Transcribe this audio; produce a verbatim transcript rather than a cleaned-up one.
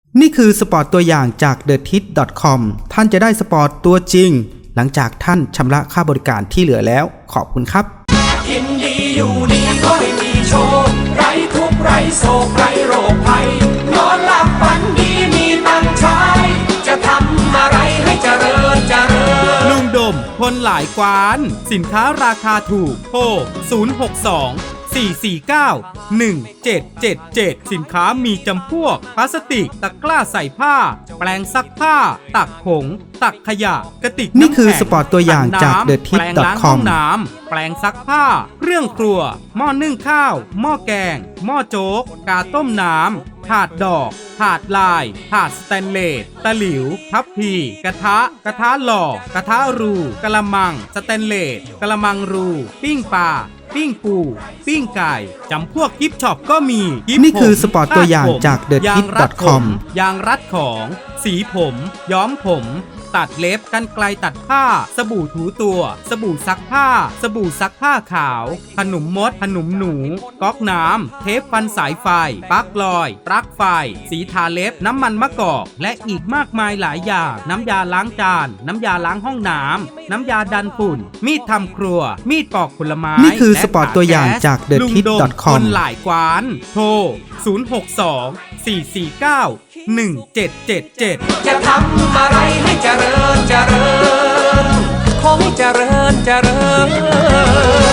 นี่คือสปอร์ตตัวอย่างจาก เดอะทิส ดอท คอม ท่านจะได้สปอร์ตตัวจริงหลังจากท่านชำระค่าบริการที่เหลือแล้วขอบคุณครับกินดีอยู่ดีก็ไม่มีโชคไร้ทุกข์ไร้โศกไร้โรคภัยนอนหลับฝันดีมีตังค์ใช้จะทำอะไรให้เจริญเจริญลุงดมคนหลายกวานสินค้าราคาถูกโทรศูนย์ หก สอง สี่ สี่ เก้า หนึ่ง เจ็ด เจ็ด เจ็ดสินค้ามีจำพวกพลาสติกตะกร้าใส่ผ้าแปรงซักผ้าตักผงตักขยะกระติกน้ำแข็งนี่คือสปอร์ตตัวอย่างจาก เดอะ ทิส ดอท คอมแปรงล้างห้องน้ำแปรงซักผ้าเครื่องครัวหม้อนึ่งข้าวหม้อแกงหม้อโจ๊กกาต้มน้ำถาดดอกถาดลายถาดสแตนเลสตะหลิวทัพพีกระทะกระทะหล่อกระทะรูกระมังสแตนเลสกระมังรูปิ้งปลาปิ้งปูปิ้งไก่จำพวกกิฟช็อปก็มีนี่คือสปอร์ตตัวอย่างจาก เดอะ ทิส ดอท คอมยางรัดของสีผมย้อมผมตัดเล็บกันไกลตัดผ้าสบู่ถูตัวสบู่ซักผ้าสบู่ซักผ้าขาวขนมมดขนมหนูก๊อกน้ำเทปฟันสายไฟปลั๊กลอยปลั๊กไฟสีทาเล็บน้ำมันมะกอกและอีกมากมายหลายอย่างน้ำยาล้างจานน้ำยาล้างห้องน้ำน้ำยาดันฝุ่นมีดทำครัวมีดปอกผลไม้นี่คือสปอร์ตตัวอย่างจาก เดอะ ทิส ดอท คอมหลายกวานโทรศูนย์ หก สอง สี่ สี่ เก้า หนึ่ง เจ็ด เจ็ด เจ็ดจะทำอะไรให้เจริญเจริญคงเจริญเจริญ